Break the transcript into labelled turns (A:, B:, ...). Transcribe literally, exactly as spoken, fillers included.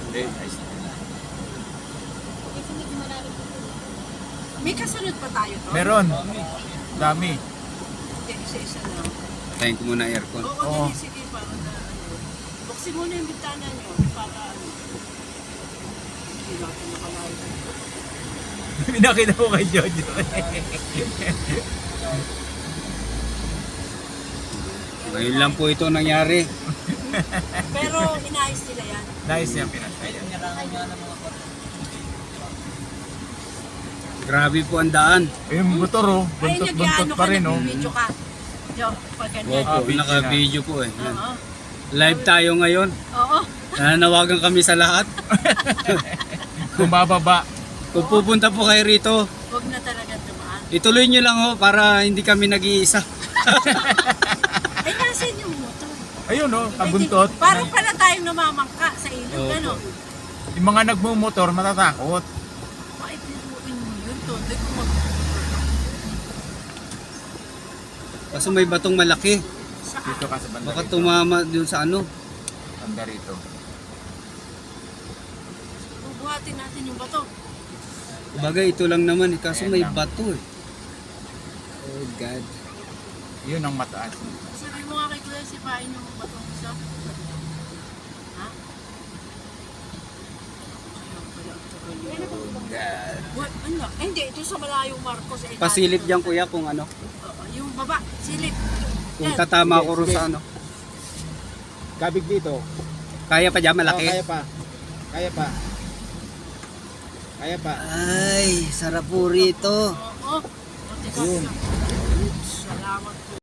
A: Eh, ayos na.
B: Kasi medyo malalim po. May kasunod pa tayo to?
A: Meron. Dami.
B: Hindi, isa-isa na.
C: Tayin ko muna aircon.
B: Oo,
A: Oo.
B: dali, sige, para na ano. Buksin muna yung bintana nyo, para ano. Hindi natin nakalayo.
A: Pinakita ko kay Jojo.
C: Ngayon lang po ito nangyari.
B: Pero inayos nila yan.
A: Nice yan, pinatay.
C: Grabe po ang daan.
A: Yung motor oh,
B: Ay,
A: buntot-buntot
B: nag-ano
A: pa
B: ka,
A: rin oh.
B: nag-video ka. Jo, pag ganyan.
C: Opo,
A: Ah, video
C: naka-video po eh. Yan.
B: Oo.
C: Live tayo ngayon.
B: Oo.
C: Nananawagan kami sa lahat.
A: Kung bababa.
C: Kung pupunta po kayo rito,
B: Huwag na talaga dumaan.
C: ituloy nyo lang ho para hindi kami nag-iisa.
B: Ay, nasan yung motor?
A: Ayun oh, kabuntot.
B: Parang pala tayong namamangka sa ilog,
C: Opo.
B: ano?
A: Yung mga nagmumotor matatakot.
B: Ay, pinuin mo yun, Tondo. Kung mag...
C: Kaso may batong malaki.
B: Saan?
A: Dito ka sa banda
C: Baka
A: rito.
C: tumama dun sa ano.
A: Banda rito.
B: Bubuhatin natin yung bato.
C: Bagay ito lang naman eh. Kaso
A: Ayan
C: may
A: lang.
C: bato eh. Oh God.
A: Yun ang mataas.
B: Sabi mo nga kay Kuya, sipain yung batong isa. Ha? Ayun pala, ang tagal yun.
C: God.
B: What? Ano? Eh, hindi, ito sa malayong Marcos. Eh,
C: Pasilip dyan kuya kung ano.
B: Oo, yung baba, silip.
C: Kung
B: Yan.
C: tatama
D: Sige,
C: ko rin
D: sige.
C: sa ano.
D: Kabig dito.
C: Kaya pa dyan
D: Oh,
C: malaki.
D: kaya pa. Kaya pa. Kaya pa.
C: Ay, sarap po rito.
B: Oo. Buti ka.
D: Ayun.
B: Salamat po.